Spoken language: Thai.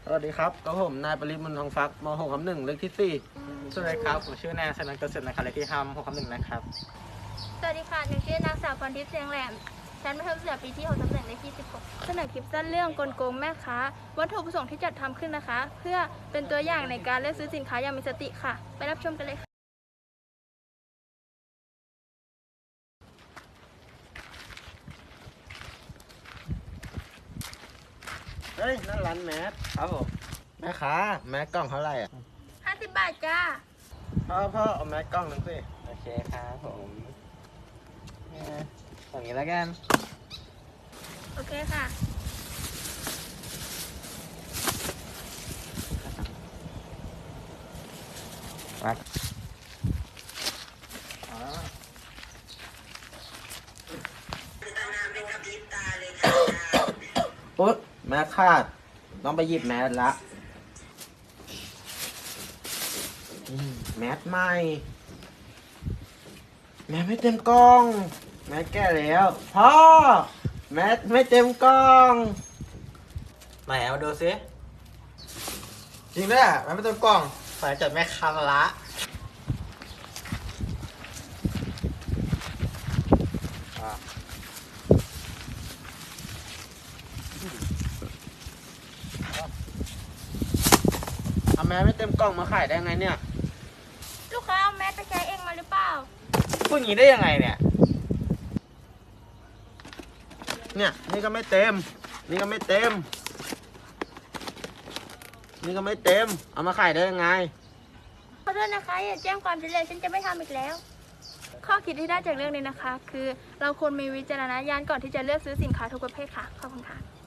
สวัสดีครับก็ผมนายปริมลทองฟักม .6 ทับ 1เลขที่สวัสดีครับผมชื่อนายสนันเกษตรนะครับเลขที่5 6 1นะครับสวัสดีค่ะหนูชื่อนางสาวพรทิพย์เสียงแหลมชั้นมัธยมศึกษาปีที่6 ทับ 1เลขที่ 16เสนอคลิปสั้นเรื่องกลโกงแม่ค้าวัตถุประสงค์ที่จัดทำขึ้นนะคะ เพื่อเป็นตัวอย่างในการเลือกซื้อสินค้าอย่างมีสติค่ะ ไปรับชมกันเลยค่ะ 4เฮ้ยนั่นร้านแมสครับผมแม่ค้าแมสกล้องเท่าไหร่อ่ะ 50 บาทจ้าพ่อเอาแมสกล้องหนึ่งสิโอเคครับผมอย่างนี้แล้วกันโอเคค่ะมาปุ๊บแมสขาดต้องไปหยิบแมสละแมสใหม่แมสไม่เต็มกล้องแมสแก้แล้วพ่อแมสไม่เต็มกล้องไหนเอาดูซิจริงด้วยอ่ะมันไม่ต้องกล้องสายจัดแม่ค้ามาละเอาแมสไม่เต็มกล้องมาขายได้ไงเนี่ยลูกค้าเอาแมสไปใช้เองมาหรือเปล่าพูดอย่างนี้ได้ยังไงเนี่ยเนี่ยนี่ก็ไม่เต็ม นี่ก็ไม่เต็ม นี่ก็ไม่เต็ม เอามาขายได้ยังไงขอโทษนะคะอย่าแจ้งความฉันเลยฉันจะไม่ทำอีกแล้ว ข้อคิดที่ได้จากเรื่องนี้นะคะ คือเราควรมีวิจารณญาณก่อนที่จะเลือกซื้อสินค้าทุกประเภทค่ะขอบคุณค่ะ